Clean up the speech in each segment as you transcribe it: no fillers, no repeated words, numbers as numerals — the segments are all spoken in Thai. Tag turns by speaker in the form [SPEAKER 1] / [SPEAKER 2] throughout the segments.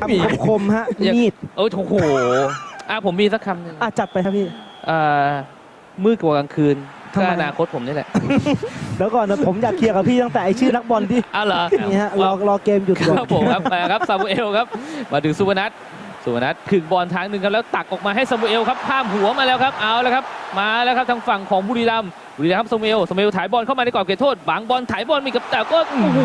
[SPEAKER 1] คมฮะมีด
[SPEAKER 2] โอ้โหผมมีสักคำหนึ่ง
[SPEAKER 1] จัดไปครับพี่
[SPEAKER 2] มืดกว่ากลางคืนก็อนาคตผมนี่แหละ
[SPEAKER 1] เดี๋ยวก่อนนะผมอยากเคลียร์กับพี่ตั้งแต่ไอชื่อนักบอลที่
[SPEAKER 2] เหรอ
[SPEAKER 1] นี่ฮะรอเกมหยุดก่อน
[SPEAKER 2] ครับผมครับมาครับซามูเอลครับมาถึงสุพนัทขึงบอลทางหนึ่งครับแล้วตักออกมาให้ซามูเอลครับข้ามหัวมาแล้วครับเอาแล้วครับมาแล้วครับทางฝั่งของบุรีรัมย์ครับซามูเอลถ่ายบอลเข้ามาในกรอบเขตโทษบังบอลถ่ายบอลมีกับแต่ก็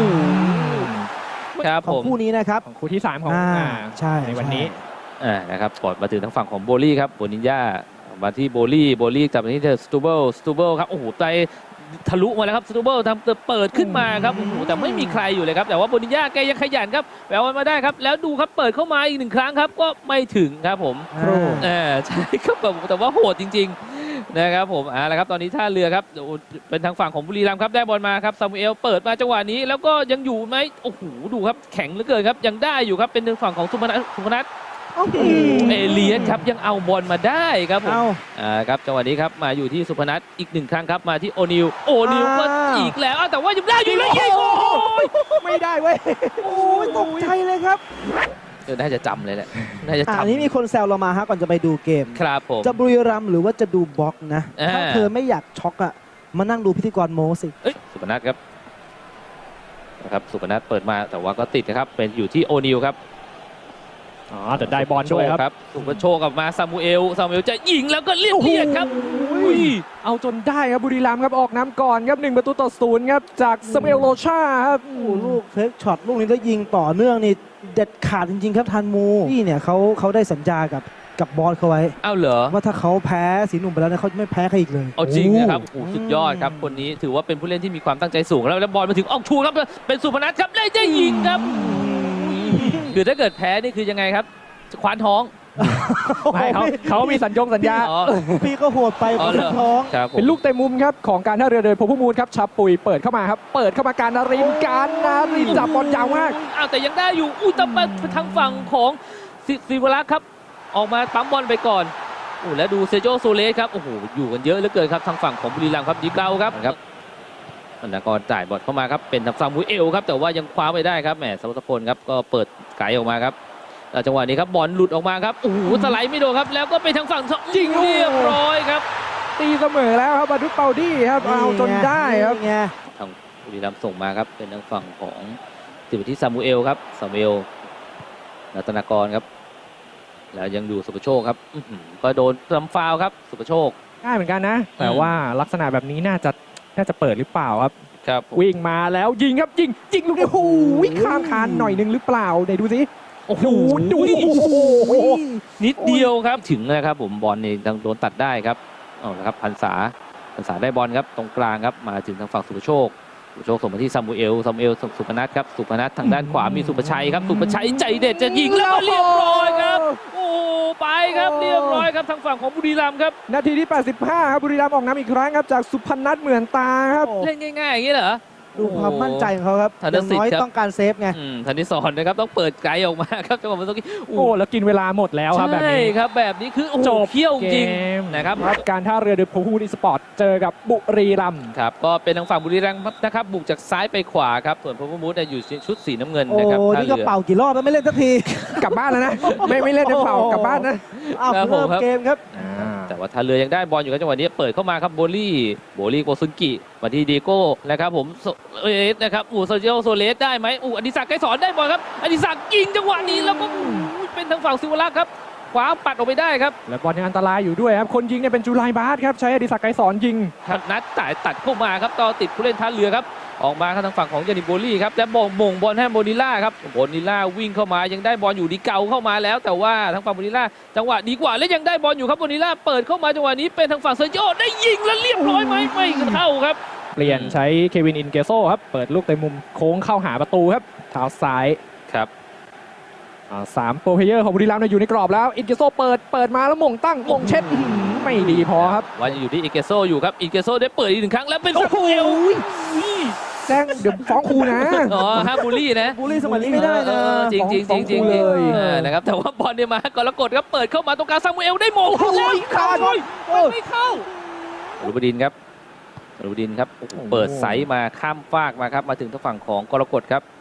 [SPEAKER 2] ครับผม
[SPEAKER 1] คู่นี้นะครับ
[SPEAKER 3] ของคู่ที่3ของ
[SPEAKER 1] ใช่
[SPEAKER 3] ในวันนี้
[SPEAKER 2] นะครับก่อนมาถึงทางฝั่งของโบลี่ครับโบนินญามาที่โบลี่จับมาที่สตูเบิลครับโอ้โหใจทะลุมาแล้วครับสตูเบิลทำเปิดขึ้นมาครับโอ้โหแต่ไม่มีใครอยู่เลยครับแต่ว่าโบนินญาแกยังขยันครับแปลว่ามาได้ครับแล้วดูครับเปิดเข้ามาอีก1 ครั้งครับก็ไม่ถึงครับผมใช่ครับแต่ว่าโหดจริงๆนะครับผมแล้วครับตอนนี้ท่าเรือครับเป็นทางฝั่งของบุรีรัมย์ครับได้บอลมาครับซามูเอลเปิดมาจังหวะนี้แล้วก็ยังอยู่ไหมโอ้โหดูครับแข็งเหลือเกินครับยังได้อยู่ครับเป็นทางฝั่งของสุพนัทเอเลียนครับยังเอาบอลมาได้ครับผมครับจังหวะนี้ครับมาอยู่ที่สุพนัทอีก1 ครั้งครับมาที่โอนิลก็อีกแล้วแต่ว่ายังได้อยู่เลยยิง
[SPEAKER 1] ไม่ได้เว้ยโอ้ยตกใจเลยครับ
[SPEAKER 2] น่าจะจำเลยแหละน่าจะจำ
[SPEAKER 1] นี้มีคนแซวเรามาฮะก่อนจะไปดูเกม
[SPEAKER 2] ครับผม
[SPEAKER 1] จะบุรีรัมย์หรือว่าจะดูบล็อกนะถ้าเธอไม่อยากช็อกมานั่งดูพิธีกรโมสิ
[SPEAKER 2] สุพนัทครับสุพนัทเปิดมาแต่ว่าก็ติดนะครับเป็นอยู่ที่โอนิลครับ
[SPEAKER 3] แต่ได้บอลด้วยครับ
[SPEAKER 2] สุภโชคกลับมาซามูเอลจะยิงแล้วก็เรียบครับ
[SPEAKER 3] เอาจนได้ครับบุรีรัมย์ครับออกน้ำก่อนครับ1-0ครับจากซามูเอลโลชาครับ
[SPEAKER 1] ลูกเฟกช็อตลูกนี้แล้วยิงต่อเนื่องนี่เด็ดขาดจริงๆครับทันมูนี่เนี่ยเขาได้สัญญากับบอสเขาไว้
[SPEAKER 2] เหรอ
[SPEAKER 1] ว่าถ้าเขาแพ้สีหนุ่มไปแล้วเนี่ยเขาไม่แพ้ใครอีกเลย
[SPEAKER 2] จริงนะครับสุดยอดครับคนนี้ถือว่าเป็นผู้เล่นที่มีความตั้งใจสูงแล้วบอลมาถึงออกชูครับเป็นสุพนัทครับได้ยิงครับคือถ้าเกิดแพ้นี่คือยังไงครับคว้านท้อง
[SPEAKER 3] ไม่เขามีสัญญา
[SPEAKER 1] พี่ก็โหดไปคว้านท้อง
[SPEAKER 3] เป็นลูกเตะมุมครับของการท่าเรือโดยพภูมิครับชาปุยเปิดเข้ามาครับเปิดเข้ามาการนารินจับบอลยาวมาก
[SPEAKER 2] แต่ยังได้อยู่แต่ทางฝั่งของศิวรักษ์ครับออกมาปั๊มบอลไปก่อนแล้วดูเซโจโซเลสครับโอ้โหอยู่กันเยอะเหลือเกินครับทางฝั่งของบุรีรัมย์ครับดีเกาครับอันดับก่อนจ่ายบอลเข้ามาครับเป็นทางซามูเอลครับแต่ว่ายังคว้าไม่ได้ครับแหมสวัสดิ์พลครับก็เปิดไกลออกมาครับจังหวะนี้ครับบอลหลุดออกมาครับโอ้โหสไลด์ไม่โดนครับแล้วก็ไปทางฝั่งยิงเรียบร้อยครับ
[SPEAKER 3] ตีเสมอแล้วครับบาดุเปาดี้ครับเอาจนได้ครับ
[SPEAKER 2] ทางบุรีรัมย์ส่งมาครับเป็นทางฝั่งของติดที่ซามูเอลครับซามูเอลรัตนากรครับแล้วยังดูสุภโชคครับก็โดนทำฟาวครับสุภโชค
[SPEAKER 3] ได้เหมือนกันนะแต่ว่าลักษณะแบบนี้น่าจะเปิดหรือเปล่าครับวิ่งมาแล้วยิงครับยิงลูกโอ้โหข้ามคานหน่อยนึงหรือเปล่าไหนดูสิ
[SPEAKER 2] โอ้โหดูนิดเดียวครับถึงนะครับผมบอลนี่โดนตัดได้ครับนะครับพันษาได้บอลครับตรงกลางครับมาถึงทางฝั่งสุภโชคส่งมาที่ซามูเอลสุพนัทครับสุพนัททางด้านขวามีสุภชัยครับสุภชัยใจเด็ดจะยิงแล้วเรียบร้อยครับโอ้ไปครับเรียบร้อยครับทางฝั่งของบุรีรัมย์ครับ
[SPEAKER 3] นาทีที่85ครับบุรีรัมย์ออกน้ำอีกครั้งครับจากสุพนัทเหมือนตาครับ
[SPEAKER 2] เล่นง่ายๆอย่างนี้เหรอ
[SPEAKER 1] ดูความมั่นใจของเขาครับอย่างน้อยต้องการเซฟไง
[SPEAKER 2] ธนิสรนะครับต้องเปิดไกลออกมาครับจังหวะเมื่อกี้
[SPEAKER 3] แล้วกินเวลาหมดแล้วครับแบบนี้
[SPEAKER 2] ครับแบบนี้คือจบเขี้ยวจริงนะครับ
[SPEAKER 3] การท่าเรือโดยพภูมิสปอร์ตเจอกับบุรีรัมย์
[SPEAKER 2] ครับก็เป็นทางฝั่งบุรีรัมย์นะครับบุกจากซ้ายไปขวาครับส่วนพภูมิอยู่ชุดสีน้ำเงินนะครับ
[SPEAKER 1] นี่ก็เป่ากี่รอบแล้วไม่เล่นสักที
[SPEAKER 3] กลับบ้านแล้วนะไม่เล่นจะเป่ากลับบ้านนะ
[SPEAKER 1] เริ่มเกมครับ
[SPEAKER 2] แต่ว่าท่าเรือยังได้บอลอยู่ครับจังหวะนี้เปิดเข้ามาครับโบลี่โกซุนกิมาที่ดีโก้นะครับผมนะครับโซเชียลโซเลสได้ไหมอดิศักดิ์ไกรสอนได้บอลครับอดิศักดิ์ยิงจังหวะนี้แล้วก็เป็นทางฝั่งศิวรักษ์ครับขวาปัดออกไปได้ครับ
[SPEAKER 3] และบอลยังอันตรายอยู่ด้วยครับคนยิงเนี่ยเป็นจุไลบาสครับใช้อดิศักดิ์ไกรสอนยิง
[SPEAKER 2] นัดตัดเข้ามาครับต่อติดผู้เล่นท่าเรือครับออกมาทางฝั่งของยานิโบลี่ครับและมงบอลให้โบนิล่าครับโบนิล่าวิ่งเข้ามายังได้บอลอยู่ดีเกาเข้ามาแล้วแต่ว่าทางฝั่งโบนิล่าจังหวะดีกว่าและยังได้บอลอยู่ครับโบนิล่าเปิดเข้ามาจังหวะนี้เป็นทางฝั่งเซโยได้ยิงแล้วเรียบร้อยไหมไม่เข้าครับ
[SPEAKER 3] เปลี่ยนใช้เควินอินเกโซครับเปิดลูกเตะมุมโค้งเข้าหาประตูครับเท้าซ้าย
[SPEAKER 2] ครับ
[SPEAKER 3] 3โปรเพลเยอร์ของบุรีรัมย์อยู่ในกรอบแล้วอินเกโซเปิดมาแล้วมงเช็ดไม่ดีพอครับ
[SPEAKER 2] ว่าอยู่ที่อินเกโซอยู่ครับอินเกโซได้เปิดอีก1 ครั้งแล้วเป็นซามูเอล
[SPEAKER 3] แจ้งเดี๋ยวฟ้องครูนะ
[SPEAKER 2] ฮะบูลลี่นะ
[SPEAKER 1] บูลลี่สมัยนี้ไม่ได้นะ
[SPEAKER 2] จริงเลยนะครับแต่ว่าบอลเนี่ยมากรกฎครับเปิดเข้ามาตรงกลางซามูเอลได้มงแล้วไม่เข้าลูบดินครับเปิดไซส์มาข้ามฟากมาครับมาถึงทางฝั่งของกรกฎครับ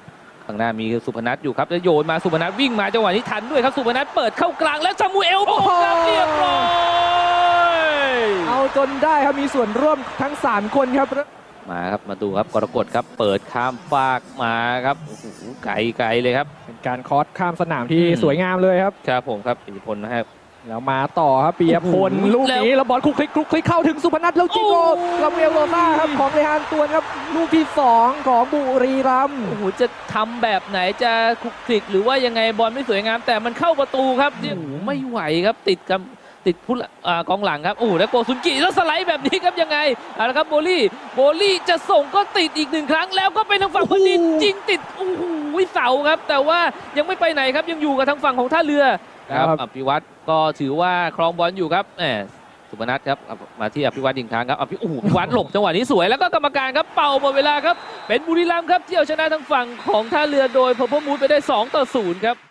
[SPEAKER 2] ข้างหน้ามีสุพนัทอยู่ครับแล้วโยนมาสุพนัทวิ่งมาจังหวะนี้ทันด้วยครับสุพนัทเปิดเข้ากลางแล้วซามูเอลบุกครับเรียบร้อย
[SPEAKER 3] เอาจนได้ครับมีส่วนร่วมทั้ง 3 คนครับ
[SPEAKER 2] มาครับมาดูครับกรกฎครับเปิดข้ามฟากมาครับโอ้โหไกลเลยครับ
[SPEAKER 3] เป็นการคอสข้ามสนามที่สวยงามเลยครับ
[SPEAKER 2] ครับผมครับอิทธิพลนะครับ
[SPEAKER 3] แล้วมาต่อครับปียพล
[SPEAKER 2] โอ้โห
[SPEAKER 3] ลูกนี้แล้วบอลคลุกคลิกเข้าถึงสุพนัทแล้วจิโก้
[SPEAKER 2] โอ้
[SPEAKER 3] ลาเวลโรซ่าครับของเรฮานตวนครับลูกที่ 2 ของบุรีรัมย์
[SPEAKER 2] โอ้โหจะทำแบบไหนจะคลุกคลิกหรือว่ายังไงบอลไม่สวยงามแต่มันเข้าประตูครับโอ้โหไม่ไหวครับติดผู้กองหลังครับโอ้โหแล้วโกซุนกิแล้วสไลด์แบบนี้ครับยังไงเอาละครับโบลี่จะส่งก็ติดอีก1 ครั้งแล้วก็เป็นทางฝั่งคนจีนยิงติดโอ้โหเสาครับแต่ว่ายังไม่ไปไหนครับยังอยู่กับทางฝั่งของท่าเรือครับอภิวัตรก็ถือว่าครองบอลอยู่ครับสุพนัทครับมาที่อภิวัตรอีกครั้งครับอภิวัตรหลบจังหวะนี้สวยแล้วก็กรรมการครับเป่าหมดเวลาครับเป็นบุรีรัมย์ครับที่เอาชนะทางฝั่งของท่าเรือโดยเพอร์เพอร์มูดไปได้2-0ครับ